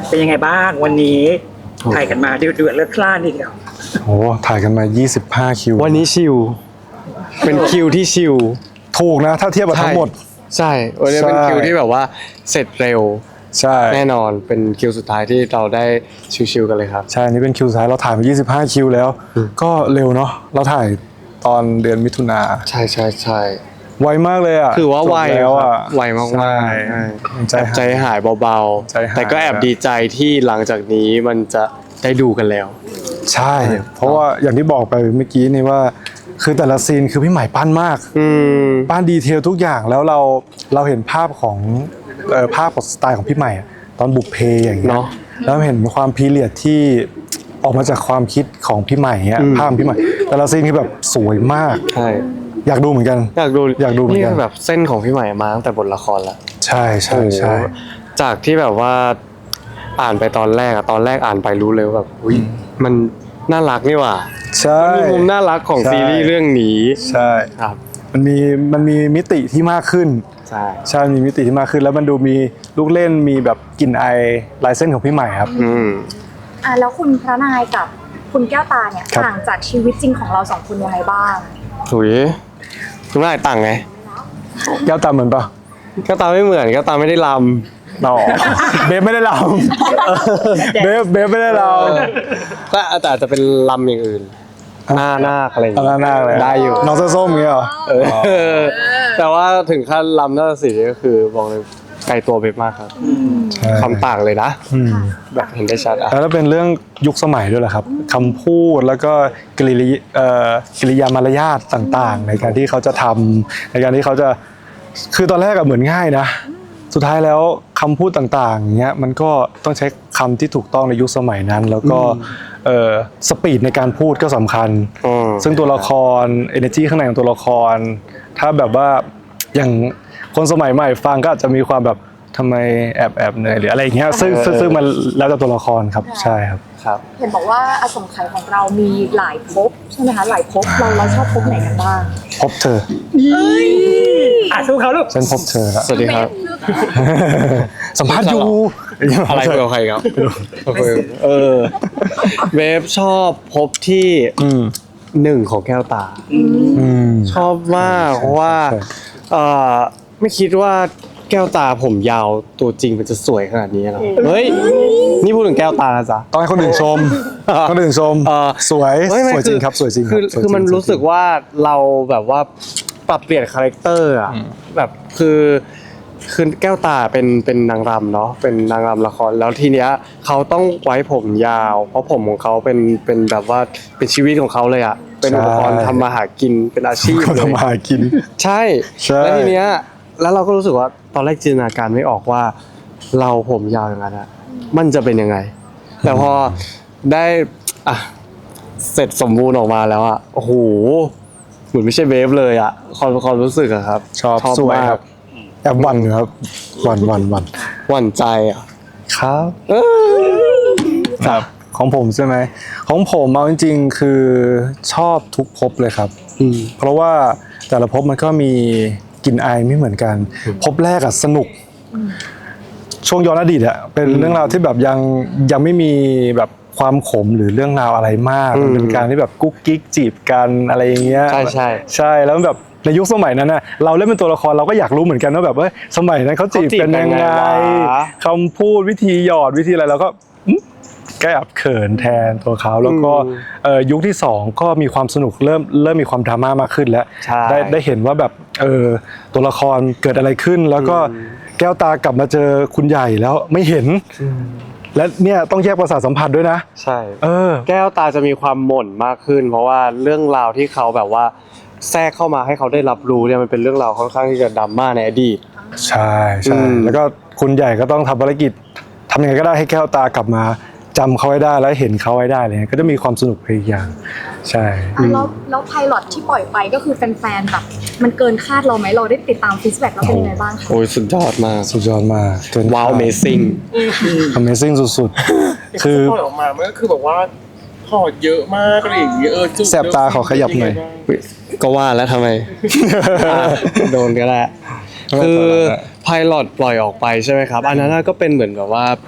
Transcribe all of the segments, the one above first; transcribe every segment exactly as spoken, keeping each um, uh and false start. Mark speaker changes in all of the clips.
Speaker 1: เป็นยังไงบ้างวันนี้ถ่ายกันมาเดือดเดือดเลือดคลาดทีเดียว
Speaker 2: โอ้ถ่ายกันมายี่สิบห้าคิว
Speaker 3: วันนี้ชิลเป็นคิวที่ชิล
Speaker 2: ถูกนะถ้าเทียบกับทั้งหมด
Speaker 3: ใช่วันนี้เป็นคิวที่แบบว่าเสร็จเร็ว
Speaker 2: ใช่
Speaker 3: แน่นอนเป็นคิวสุดท้ายที่เราได้ชิลๆกันเลยครับ
Speaker 2: ใช่นี่เป็นคิวสุดท้ายเราถ่ายมายี่สิบห้าคิวแล้วก็เร็วเนาะเราถ่ายตอนเดือนมิถุนา
Speaker 3: ใช่ใช่ใช่
Speaker 2: ไวมากเลยอ่ะ
Speaker 3: คือว่าไว
Speaker 2: แล้วอ่ะ
Speaker 3: ไวมากมากใจหายเบาๆแต่ก็แอบดีใจที่หลังจากนี้มันจะได้ดูกันแล้ว
Speaker 2: ใช่เพราะว่าอย่างที่บอกไปเมื่อกี้นี่ว่าคือแต่ละซีนคือพี่ใหม่ปั้นมากปั้นดีเทลทุกอย่างแล้วเราเราเห็นภาพของเอ่อภาพของสไตล์ของพี่ใหม่ตอนบุกเพอย่างเงี้ยแล้วเห็นความพีเรียดที่ออกมาจากความคิดของพี่ใหม่เงี้ยภาพพี่ใหม่แต่ละซีนคือแบบสวยมาก
Speaker 3: ใช่
Speaker 2: อยากดูเหมือนกัน
Speaker 3: อยากดู
Speaker 2: อยากดูเหมือนกัน
Speaker 3: แบบเส้นของพี่ใหม่มาตั้งแต่บทละครแล้ว
Speaker 2: ใช่ใช่ใช่
Speaker 3: จากที่แบบว่าอ่านไปตอนแรกอะตอนแรกอ่านไปรู้เลยแบบอุ้ยมันน่ารักนี่หว่า
Speaker 2: ใช่
Speaker 3: มันมีมุมน่ารักของซีรีส์เรื่องนี้
Speaker 2: ใช่
Speaker 3: ครับ
Speaker 2: มันมีมันมีมิติที่มากขึ้น
Speaker 3: ใช่
Speaker 2: ใช่มีมิติที่มากขึ้นแล้วมันดูมีลูกเล่นมีแบบกลิ่นไอลายเส้นของพี่ใหม่ครับ
Speaker 3: อืม
Speaker 4: อ่าแล้วคุณพระนายกับคุณแก้วตาเนี่ยต่างจากชีวิตจริงของเราสองคนยังไงบ้าง
Speaker 3: ถุยคุณนายต่างไง
Speaker 2: แก้วตาเหมือนปะ
Speaker 3: แก้วตาไม่เหมือนแก้วตาไม่ได้ลำ
Speaker 2: ต่อเบฟไม่ได้ลำเบฟเบฟไม่ได้ลำ
Speaker 3: ก็แต่อาจจะเป็นลำอย่างอื่นหน้าหน้าอะไรอย่างเงี้ย
Speaker 2: หน้าหน้าเลย
Speaker 3: ได้อยู่
Speaker 2: น้องส้มๆเงี้ยเหรอ
Speaker 3: แต่ว่าถึงขั้นลำหน้าสีก็คือบอกเลยไกลตัวเบฟมากครับคำต่างเลยนะแบบเห็นได้ชัดอ่ะ
Speaker 2: แล้วเป็นเรื่องยุคสมัยด้วยแหละครับคำพูดแล้วก็กริยากริยามารยาทต่างๆในการที่เขาจะทำในการที่เขาจะคือตอนแรกอะเหมือนง่ายนะสุดท้ายแล้วคำพูดต่างๆเงี้ยมันก็ต้องใช้คำที่ถูกต้องในยุคสมัยนั้นแล้วก็สปีดในการพูดก็สำคัญซึ่งตัวละคร energy ข้างในของตัวละครถ้าแบบว่าอย่างคนสมัยใหม่ฟังก็อาจจะมีความแบบทำไมแอบแอบเหนื่อยหรืออะไรอย่างเงี้ยซึ่งซึ่งมันแล้วแต่ตัวละครครับใช่ครับ
Speaker 3: ครับ
Speaker 4: เห็นบอกว่าอสงไขยของเรามีหลายภพใช่ไหมคะหลายภพเราเราชอบภพไหนกันบ้าง
Speaker 2: พบเธอ
Speaker 1: อ่ะสู้เขาลูก
Speaker 2: ฉันพบเธอแล้ว
Speaker 3: สวัสดีครับ
Speaker 2: สัมภาษณ์อยู่
Speaker 3: อะไรเกี่ยวกับใครครับเออเวฟชอบพบที่หนึ่งของแก้วตาชอบมากเพราะว่าเออไม่คิดว่าแก้วตาผมยาวตัวจริงมันจะสวยขนาดนี้หรอเฮ้ยนี่พูดถึงแก้วตาจ้ะ
Speaker 2: ต้องให้คนอื่นชมคนอื่นชมสวยสวยจริงครับสวยจริง
Speaker 3: คือคือมันรู้สึกว่าเราแบบว่าปรับเปลี่ยนคาแรคเตอร์อ่ะแบบคือคือแก้วตาเป็นเป็นนางรำเนาะเป็นนางรำละครแล้วทีเนี้ยเขาต้องไว้ผมยาวเพราะผมของเขาเป็นเป็นแบบว่าเป็นชีวิตของเขาเลยอ่ะเป็นอุปกรณ์ทำมาหากินเป็นอาชีพเลย
Speaker 2: ทำมาหากิน
Speaker 3: ใช่แล้วทีเนี้ยแล้วเราก็รู้สึกว่าตอนแรกจินตนาการไม่ออกว่าเราผมยาวอย่างนั้นอะมันจะเป็นยังไงแต่พอได้อ่ะเสร็จสมบูรณ์ออกมาแล้วอะโอ้โหเหมือนไม่ใช่เวฟเลยอะความความรู้สึกอะครับ
Speaker 2: ชอบสวยครับแอบหวั่นครับหวั่นหวั่นหวั่น
Speaker 3: หวั่นใจอะ
Speaker 2: ครับครับของผมใช่ไหมของผมเอาจริงๆคือชอบทุกภพเลยครับเพราะว่าแต่ละภพมันก็มีกลิ่นอายไม่เหมือนกันพบแรกอะสนุกช่วงย้อนอดีตอะเป็นเรื่องราวที่แบบยังยังไม่มีแบบความขมหรือเรื่องราวอะไรมากมันเป็นการที่แบบกุ๊กกิ๊กจีบกันอะไรอย่างเงี้ย
Speaker 3: ใช่ใช่
Speaker 2: ใช่แล้วแบบในยุคสมัยนั้นนะเราเล่นเป็นตัวละครเราก็อยากรู้เหมือนกันว่าแบบว่าสมัยนั้นเขาจีบกันยังไงคำพูดวิธีหยอดวิธีอะไรเราก็ก็แอบเขินแทนตัวเขาแล้วก็ยุคที่สองก็มีความสนุกเริ่มเริ่มมีความดราม่ามากขึ้นแล้วได้ได้เห็นว่าแบบเออตัวละครเกิดอะไรขึ้นแล้วก็แก้วตากลับมาเจอคุณใหญ่แล้วไม่เห็นและเนี่ยต้องแยกประสาทสัมผัสด้วยนะ
Speaker 3: ใช่เออแก้วตาจะมีความหม่นมากขึ้นเพราะว่าเรื่องราวที่เขาแบบว่าแทรกเข้ามาให้เขาได้รับรู้เนี่ยมันเป็นเรื่องราวค่อนข้างที่จะดราม่าในอดีต
Speaker 2: ใช่ใช่แล้วก็คุณใหญ่ก็ต้องทำภารกิจทำยังไงก็ได้ให้แก้วตากลับมาจำเขาไว้ได้แล้วเห็นเขาไว้ได้เลยก็จะมีความสนุกไปอีกอย่างใช่
Speaker 4: แล้วแล้วไพลอตที่ปล่อยไปก็คือแฟนๆแบบมันเกินคาดเราไหมเราได้ติดตามฟีดแบ็กแล้วเป็นยังไงบ้างคะ
Speaker 3: โอ้ยสุดยอดมาก
Speaker 2: สุดยอดมาก
Speaker 3: ว้าว Amazing
Speaker 2: Amazing สุดๆคือ
Speaker 1: ปล่อยออกมามันก็คือแบบว่าถอดเยอะมากอะไรอย่างเงี้ยเออ
Speaker 2: แสบตาขอขยับหน่อย
Speaker 3: ก็ว่าแล้วทำไมโดนก็ได้คือไพลอตปล่อยออกไปใช่ไหมครับอันนั้นก็เป็นเหมือนแบบว่า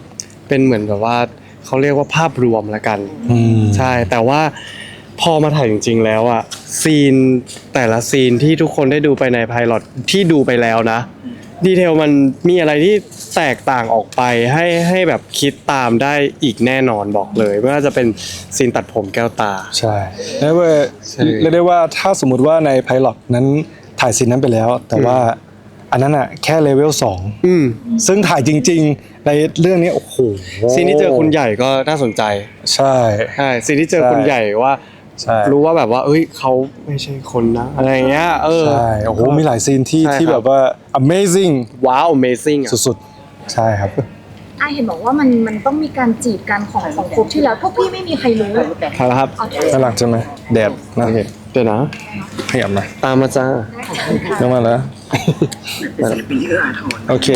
Speaker 3: เป็นเหมือนแบบว่าเขาเรียกว่าภาพรวมละกัน
Speaker 2: อืม
Speaker 3: ใช่แต่ว่าพอมาถ่ายจริงๆแล้วอะซีนแต่ละซีนที่ทุกคนได้ดูไปในไพลอตที่ดูไปแล้วนะดีเทลมันมีอะไรที่แตกต่างออกไปให้ให้แบบคิดตามได้อีกแน่นอนบอกเลยไม่ว่าจะเป็นซีนตัดผมแก้วตา
Speaker 2: ใช่เรียกว่า
Speaker 3: ใช่
Speaker 2: เรียกได้ว่าถ้าสมมุติว่าในไพลอตนั้นถ่ายซีนนั้นไปแล้ว แต่ว่าอันนั้นอ่ะแค่เลเวลสอง
Speaker 3: อืม
Speaker 2: ซึ่งถ่ายจริง ๆ ในเรื่องนี้โอ้โห
Speaker 3: ซีนที่เจอคุณใหญ่ก็น่าสนใจ
Speaker 2: ใช่
Speaker 3: ใช่ซีนที่เจอ
Speaker 2: ใช่
Speaker 3: คุณใหญ่ว่า
Speaker 2: ใช่
Speaker 3: รู้ว่าแบบว่า เอ้ยเขาไม่ใช่คนนะอะไรอย่างเงี้ยเออ
Speaker 2: ใช่โอ้โหมีหลายซีนที่
Speaker 3: ใช่ครับ
Speaker 2: ที่แบบว่า amazing
Speaker 3: ว้าว amazing อะ
Speaker 2: สุดๆ ใช่ครับ
Speaker 4: อ่ะเห็นบอกว่ามันมันต้องมีการจีบกันของของครบที่แล้วพวกพี่ไม่มีใครรู้
Speaker 3: ครับครับ
Speaker 4: เอาเถ
Speaker 2: น่า
Speaker 4: อะ
Speaker 2: รักใช่ไหมแดดน่า
Speaker 3: โอเคเดี๋ยวนะ
Speaker 2: ขยับหน่อย
Speaker 3: ตามมาจ้า
Speaker 2: เรื่องมาแล้ว
Speaker 5: ศิลปินที่เอื้ออาทร
Speaker 2: โอเค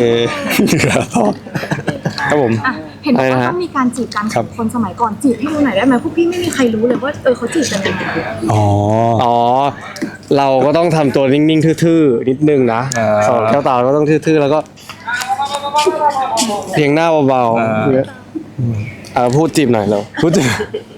Speaker 2: ครับผม
Speaker 4: อ่ะเห็นบอก
Speaker 3: อะไร
Speaker 4: ว่า
Speaker 3: นะฮะ
Speaker 4: ต้องมีการจีบกัน
Speaker 2: ครั
Speaker 4: ขอบ งคนสมัยก่อนจีบให้ดูหน่อยได้ไหมพวกพี่ไม่มีใครรู้เลยว่าเออเขาจีบกันยังไง
Speaker 2: อ๋อ
Speaker 3: อ๋อ เราก็ต้องทำตัวนิ่งๆ ทื่อๆ นิดนึงนะ
Speaker 2: อ่า
Speaker 3: สอนแก้วตาเราก็ต้องทื่อๆ แล้วก็ เพียงหน้าเบา
Speaker 2: อ่า
Speaker 3: ๆเนี่ยอ่าพูดจีบหน่อยเรา
Speaker 2: พูดถึง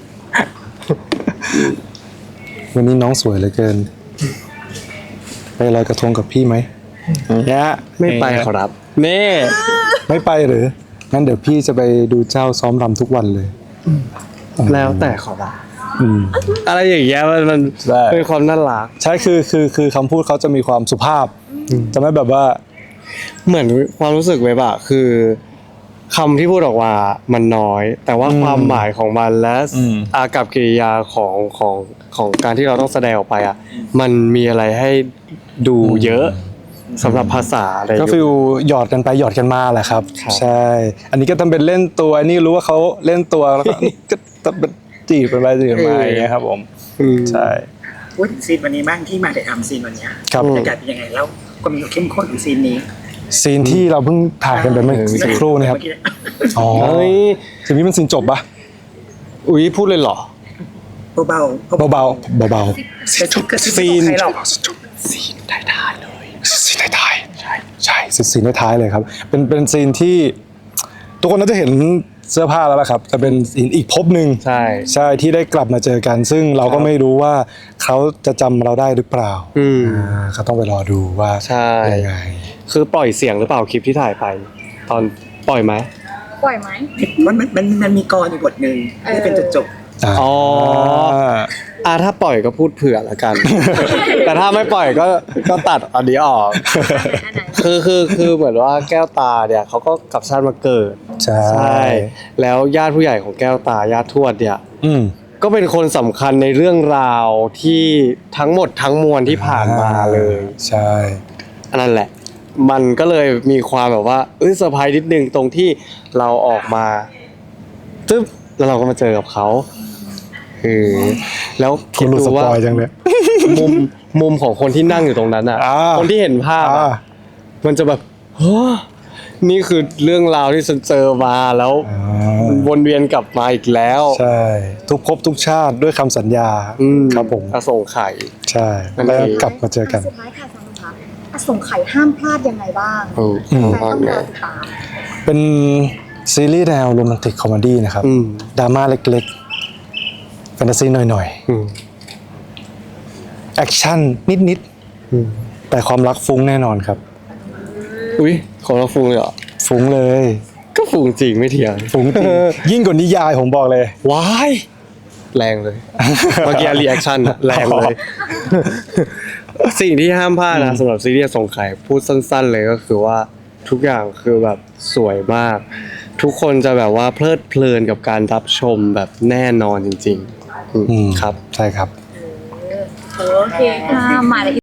Speaker 2: วันนี้น้องสวยเหลือเกิน ไปลอยกระทงกับพี่ไหมเนี่ย
Speaker 3: ไม่ไปขอรับเน่
Speaker 2: ไม่ไปหรือ งั้นเดี๋ยวพี่จะไปดูเจ้าซ้อมรำทุกวันเลย
Speaker 3: แล้วแต่ขอรับ
Speaker 2: อืม
Speaker 3: อะไรอย่างเงี้ยมันมัน
Speaker 2: ใช่
Speaker 3: เป็นความน่ารัก
Speaker 2: ใช่คือคือคือคำพูดเขาจะมีความสุภาพ จะไม่แบบว่า
Speaker 3: เหมือนความรู้สึกเว็บอะคือคำที่พูดออกมามันน้อย แต่ว่า
Speaker 2: อืม
Speaker 3: ความหมายของมันและ
Speaker 2: อืม
Speaker 3: อากับกิริยาของของของการที่เราต้องแสดงออกไปอะมันมีอะไรให้ดูเยอะสำหรับภาษาอะไร
Speaker 2: ก็ฟิลหยอดกันไปหยอดกันมาแหละครับ
Speaker 3: ครับ
Speaker 2: ใช่ อันนี้ก็ทำเป็นเล่นตัวอันนี้รู้ว่าเขาเล่นตัวแล้วก็ ก็ทำเป็นจีบกันไปจีบกันมาอย่างเงี้ยครับผม
Speaker 3: อืม
Speaker 2: ใช่
Speaker 5: พูดถึงซีนวันนี้บ้างที่มาถ่ายทำซีนวันเนี้ย
Speaker 2: ครับ
Speaker 5: บรรยากาศเป็นยังไงแล้วความเข้มข้นของซีนนี้
Speaker 2: ซีนที่เราเพิ่งถ่ายกันไปเมื่อสักครู่นี่ครับ
Speaker 5: เมื่อกี้
Speaker 2: อ๋อ
Speaker 3: เฮ้ย
Speaker 2: ซีนนี้มันซีนจบปะ
Speaker 3: อุ้ยพูดเลยเหรอ
Speaker 5: เบาๆ
Speaker 2: เบาๆเบา
Speaker 5: จะชุดกระ
Speaker 3: ซี
Speaker 5: ซี
Speaker 3: น
Speaker 5: นใครหรอก
Speaker 2: ๆซีนท้ายๆเลยซีนท้ายๆใช่ใช่ซีนท้ายๆเลยครับ เป็นเป็นซีนที่ ทุกคนน่าจะเห็นเสื้อผ้าแล้วล่ะครับแต่เป็นซีนอีกภพหนึ่ง
Speaker 3: ใช่
Speaker 2: ใช่ที่ได้กลับมาเจอกัน ซึ่งเราก็ไม่รู้ว่าเขาจะจำเราได้หรือเปล่า
Speaker 3: อืม
Speaker 2: อ่าก็ต้องไปรอดูว่า
Speaker 3: ใช่
Speaker 2: ยังไง
Speaker 3: คือปล่อยเสียงหรือเปล่าคลิปที่ถ่ายไป ตอนปล่อยไหม
Speaker 4: ปล่อยไหม
Speaker 5: มันมันมันมันมีกรอยู่บทหนึ่งที่เป็นจุดจบ
Speaker 2: อ่า
Speaker 3: อ๋อ อ่าถ้าปล่อยก็พูดเผื่อละกัน แต่ถ้าไม่ปล่อยก็ก็ตัดอันนี้ออก
Speaker 4: อันไหน
Speaker 3: คือคือคือเหมือนว่าแก้วตาเนี่ยเขาก็กลับชาติมาเกิด
Speaker 2: ใช่
Speaker 3: ใช่ แล้วญาติผู้ใหญ่ของแก้วตาญาติทวดเนี่ย
Speaker 2: อืม
Speaker 3: ก็เป็นคนสำคัญในเรื่องราวที่ทั้งหมดทั้งมวลที่ผ่านมาเลย
Speaker 2: ใช่
Speaker 3: อันนั้นแหละ มันก็เลยมีความแบบว่าเอ้ยเซอร์ไพรส์นิดนึงตรงที่เราออกมาตึ๊บแล้วเราก็มาเจอกับเขาคือแล้ว
Speaker 2: คุ
Speaker 3: คิ
Speaker 2: ณ
Speaker 3: ด
Speaker 2: รู้
Speaker 3: ดู
Speaker 2: ส
Speaker 3: ว่า
Speaker 2: ปอยจังเลย
Speaker 3: มุมมุมของคนที่นั่งอยู่ตรงนั้นอ่ะ
Speaker 2: อ่า
Speaker 3: คนที่เห็นภาพ
Speaker 2: อ่า
Speaker 3: อะมันจะแบบเฮ้อนี่คือเรื่องราวที่ฉันเจอมาแล้ว
Speaker 2: อ่า
Speaker 3: มันวนเวียนกลับมาอีกแล้ว
Speaker 2: ใช่ ทุกภพทุกชาติด้วยคำสัญญา
Speaker 3: อืม
Speaker 2: ครับผม
Speaker 3: อส่งไข่
Speaker 2: ใช่
Speaker 3: นั่น
Speaker 2: แล้ว
Speaker 3: เอง
Speaker 2: กลับมาเจอกัน
Speaker 4: สุดท้ายค่ะสำหรับคะอสงไขยห้ามพลาดยังไงบ้าง
Speaker 3: เออ
Speaker 2: อืม
Speaker 4: แต่ต้องรอติดตาม
Speaker 2: เป็นซีรีส์แนวโรแมนติกคอมเมดี้นะครับ
Speaker 3: อืม
Speaker 2: ดราม่าเล็กๆ แฟนตาซีหน่อย
Speaker 3: อืม
Speaker 2: ๆ แอคชั่นนิด
Speaker 3: อืม
Speaker 2: ๆ แต่ความรักฟุ้งแน่นอนครับ
Speaker 3: อุ้ยของเราฟูงเลยเหรอ
Speaker 2: ฟุ้งเลย
Speaker 3: ก็ฟูงจริงไม่เถียง
Speaker 2: ฟุ้งจริง ยิ่งกว่านิยายผมบอกเลย
Speaker 3: ว้ายแรงเลย เมื่อกี้รีแอคชั่นแรงเลย สิ่งที่ห้ามพลาดนะสำหรับซีรีส์สงไข่พูดสั้นๆเลยก็คือว่าทุกอย่างคือแบบสวยมาก ทุกคนจะแบบว่าเพลิดเพลินกับการรับชมแบบแน่นอนจริงๆอืม
Speaker 2: อืม
Speaker 3: ครับ
Speaker 2: ใช่ครับ
Speaker 4: โอเคค่ะมาเลย